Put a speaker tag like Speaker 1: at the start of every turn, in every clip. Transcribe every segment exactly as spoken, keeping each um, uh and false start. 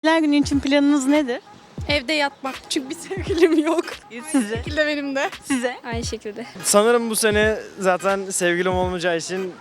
Speaker 1: Sevgililer günü için planınız nedir?
Speaker 2: Evde yatmak. Çünkü bir sevgilim yok.
Speaker 1: Size.
Speaker 2: Şekilde benim de.
Speaker 1: Size.
Speaker 2: Aynı şekilde.
Speaker 3: Sanırım bu sene zaten sevgilim olmayacağı için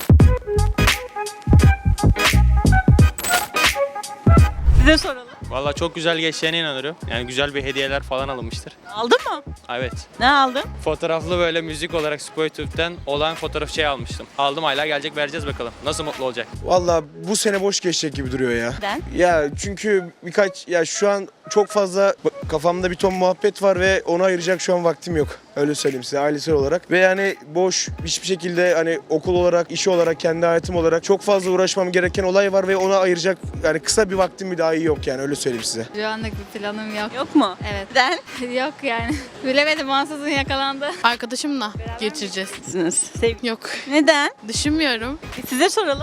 Speaker 1: Size soralım.
Speaker 4: Valla çok güzel geçeceğine inanıyorum. Yani güzel bir hediyeler falan alınmıştır.
Speaker 1: Aldın mı?
Speaker 4: Evet.
Speaker 1: Ne aldın?
Speaker 4: Fotoğraflı böyle müzik olarak Spotify'den olan fotoğraf şey almıştım. Aldım, hala gelecek, vereceğiz bakalım. Nasıl mutlu olacak?
Speaker 5: Valla bu sene boş geçecek gibi duruyor ya.
Speaker 1: Neden?
Speaker 5: Ya çünkü birkaç ya şu an çok fazla kafamda bir ton muhabbet var ve ona ayıracak şu an vaktim yok. Öyle söyleyeyim size ailesel olarak. Ve yani boş hiçbir şekilde hani okul olarak, işi olarak, kendi hayatım olarak çok fazla uğraşmam gereken olay var ve ona ayıracak yani kısa bir vaktim bir dahi yok yani öyle söyleyeyim size.
Speaker 2: Şu anlık bir planım yok.
Speaker 1: Yok mu?
Speaker 2: Evet.
Speaker 1: Neden?
Speaker 2: Yok yani. Bilemedim, ansızın yakalandı.
Speaker 6: Arkadaşımla geçireceğiz.
Speaker 1: Sizsiniz. Sevgili.
Speaker 6: Yok.
Speaker 1: Neden?
Speaker 6: Düşünmüyorum.
Speaker 1: Size soralım.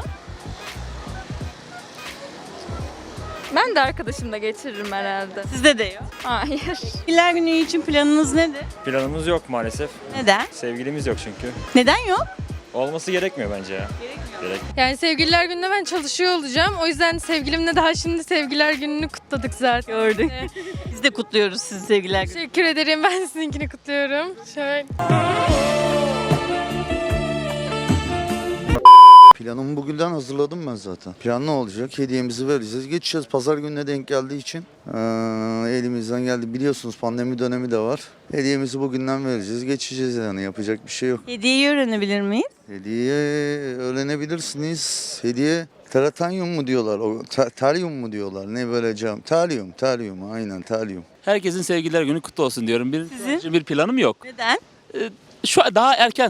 Speaker 7: Ben de arkadaşımla geçiririm herhalde.
Speaker 1: Sizde de yok.
Speaker 7: Hayır.
Speaker 1: Sevgililer günü için planınız nedir?
Speaker 8: Planımız yok maalesef.
Speaker 1: Neden?
Speaker 8: Sevgilimiz yok çünkü.
Speaker 1: Neden yok?
Speaker 8: Olması gerekmiyor bence ya. Gerek.
Speaker 6: Yani sevgililer gününde ben çalışıyor olacağım. O yüzden sevgilimle daha şimdi sevgililer gününü kutladık zaten.
Speaker 1: Gördük. Biz de kutluyoruz sizi sevgililer günü.
Speaker 6: Teşekkür ederim. Ben sizinkini kutluyorum. Şöyle.
Speaker 9: Planımı bugünden hazırladım ben zaten. Plan ne olacak? Hediyemizi vereceğiz. Geçeceğiz. Pazar gününe denk geldiği için ee, elimizden geldi. Biliyorsunuz pandemi dönemi de var. Hediyemizi bugünden vereceğiz. Geçeceğiz yani. Yapacak bir şey yok.
Speaker 1: Hediyeyi öğrenebilir miyiz?
Speaker 9: Hediye öğrenebilirsiniz. Hediye teratanyum mu diyorlar? O, te- telyum mu diyorlar? Ne böyle cam? Telyum, telyum. Aynen telyum.
Speaker 10: Herkesin sevgililer günü kutlu olsun diyorum. Bir,
Speaker 1: Sizin?
Speaker 10: bir planım yok.
Speaker 1: Neden?
Speaker 10: Şu an daha erken.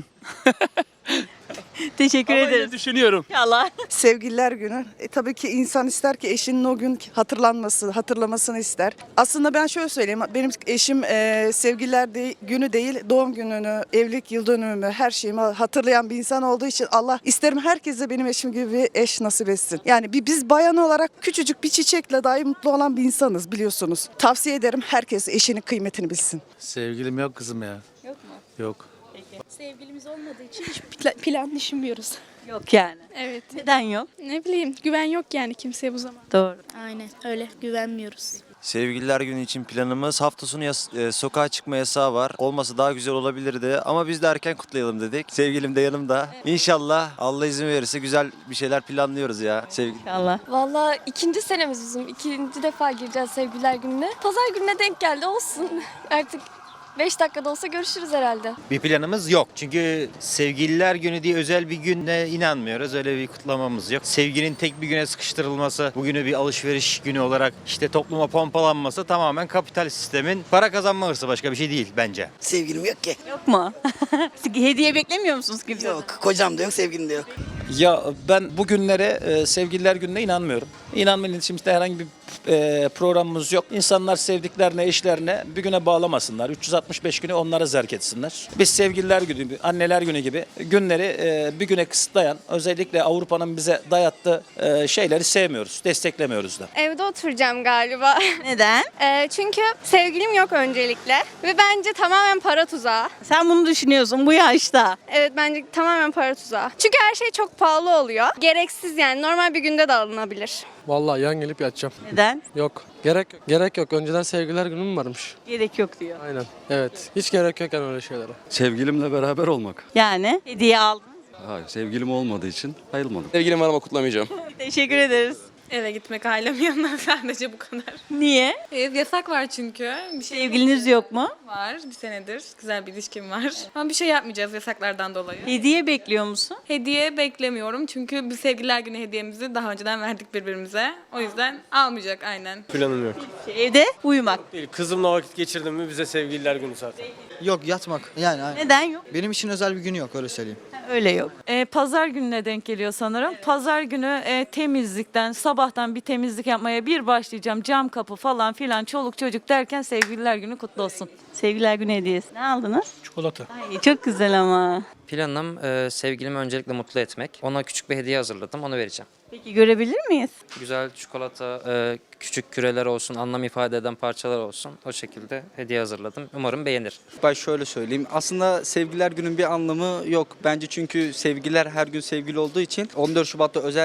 Speaker 1: Teşekkür
Speaker 10: Ama yine
Speaker 1: ederiz.
Speaker 10: düşünüyorum.
Speaker 1: İnşallah.
Speaker 11: Sevgililer günü. E, tabii ki insan ister ki eşinin o gün hatırlanması, hatırlamasını ister. Aslında ben şöyle söyleyeyim. Benim eşim e, sevgililer de, günü değil, doğum gününü, evlilik yıl dönümümü, her şeyimi hatırlayan bir insan olduğu için Allah isterim herkese benim eşim gibi bir eş nasip etsin. Yani bir, biz bayan olarak küçücük bir çiçekle dahi mutlu olan bir insanız biliyorsunuz. Tavsiye ederim herkes eşinin kıymetini bilsin.
Speaker 8: Sevgilim yok kızım ya.
Speaker 7: Yok mu?
Speaker 8: Yok.
Speaker 2: Sevgilimiz olmadığı için hiç pla- plan düşünmüyoruz.
Speaker 1: Yok yani.
Speaker 2: Evet.
Speaker 1: Neden yok?
Speaker 2: Ne bileyim, güven yok yani kimseye bu zaman.
Speaker 1: Doğru.
Speaker 2: Aynen öyle, güvenmiyoruz.
Speaker 12: Sevgililer günü için planımız hafta sonu yas- e, sokağa çıkma yasağı var. Olmasa daha güzel olabilirdi ama biz de erken kutlayalım dedik. Sevgilim de yanımda. İnşallah Allah izin verirse güzel bir şeyler planlıyoruz ya. Sevgili.
Speaker 1: İnşallah.
Speaker 7: Valla ikinci senemiz bizim. İkinci defa gireceğiz sevgililer gününe. Pazar gününe denk geldi, olsun. Artık beş dakikada olsa görüşürüz herhalde.
Speaker 4: Bir planımız yok. Çünkü sevgililer günü diye özel bir günde inanmıyoruz. Öyle bir kutlamamız yok. Sevginin tek bir güne sıkıştırılması, bugünü bir alışveriş günü olarak işte topluma pompalanması tamamen kapital sistemin para kazanma hırsı, başka bir şey değil bence.
Speaker 11: Sevgilim yok ki.
Speaker 1: Yok mu? Hediye beklemiyor musunuz kimseden?
Speaker 11: Kocam da yok, sevgilim de yok.
Speaker 10: Ya ben bugünlere e, sevgililer gününe inanmıyorum. İnanmanın içimizde herhangi bir e, programımız yok. İnsanlar sevdiklerine, eşlerine bir güne bağlamasınlar. üç yüz altmış beş günü onlara zerk etsinler. Biz sevgililer günü, anneler günü gibi günleri e, bir güne kısıtlayan, özellikle Avrupa'nın bize dayattığı e, şeyleri sevmiyoruz, desteklemiyoruz da.
Speaker 7: Evde oturacağım galiba.
Speaker 1: Neden?
Speaker 7: Ee, çünkü sevgilim yok öncelikle. Ve bence tamamen para tuzağı.
Speaker 1: Sen bunu düşünüyorsun bu yaşta.
Speaker 7: Evet, bence tamamen para tuzağı. Çünkü her şey çok pahalı oluyor. Gereksiz yani, normal bir günde de alınabilir.
Speaker 3: Vallahi yan gelip yatacağım.
Speaker 1: Neden?
Speaker 3: Yok. Gerek yok. Gerek yok. Önceden sevgililer günü mü varmış?
Speaker 1: Gerek yok diyor.
Speaker 3: Aynen. Evet. Hiç gerek yok yani öyle şeylere.
Speaker 12: Sevgilimle beraber olmak.
Speaker 1: Yani hediye aldın.
Speaker 12: Hayır, sevgilim olmadığı için ayrılmadım.
Speaker 3: Sevgilim var ama kutlamayacağım.
Speaker 1: Teşekkür ederiz.
Speaker 6: Eve gitmek ailem yanına sadece bu kadar.
Speaker 1: Niye?
Speaker 6: Ev yasak var çünkü. Bir şey
Speaker 1: Sevgiliniz yok mu?
Speaker 6: var. Bir senedir güzel bir ilişkim var. Ama bir şey yapmayacağız yasaklardan dolayı.
Speaker 1: Hediye bekliyor musun?
Speaker 6: Hediye beklemiyorum çünkü biz sevgililer günü hediyemizi daha önceden verdik birbirimize. O yüzden almayacak aynen.
Speaker 3: Planım yok.
Speaker 1: Evde uyumak.
Speaker 3: Değil. Kızımla vakit geçirdim mi bize sevgililer günü zaten.
Speaker 11: Yok yatmak yani.
Speaker 1: Neden yok?
Speaker 11: Benim için özel bir günü yok öyle söyleyeyim.
Speaker 1: Öyle yok.
Speaker 6: E, pazar gününe denk geliyor sanırım. Pazar günü e, temizlikten, sabahtan bir temizlik yapmaya bir başlayacağım. Cam kapı falan filan, çoluk çocuk derken sevgililer günü kutlu olsun.
Speaker 1: Sevgililer günü hediyesi. Ne aldınız?
Speaker 3: Çikolata.
Speaker 1: Ay, çok güzel ama.
Speaker 4: Planım e, sevgilimi öncelikle mutlu etmek. Ona küçük bir hediye hazırladım, onu vereceğim.
Speaker 1: Peki görebilir miyiz?
Speaker 4: Güzel çikolata, e, küçük küreler olsun, anlam ifade eden parçalar olsun. O şekilde hediye hazırladım. Umarım beğenir.
Speaker 11: Ben şöyle söyleyeyim. Aslında sevgililer günün bir anlamı yok. Bence çünkü sevgililer her gün sevgili olduğu için on dört Şubat'ta özel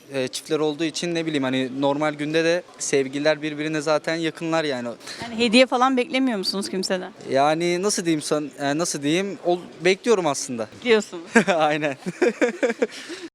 Speaker 13: e, çiftler olduğu için ne bileyim hani normal günde de sevgililer birbirine zaten yakınlar yani.
Speaker 1: Yani hediye falan beklemiyor musunuz kimseden?
Speaker 13: Yani nasıl diyeyim san, e, nasıl diyeyim ol, bekliyorum aslında.
Speaker 1: Diyorsunuz.
Speaker 13: Aynen.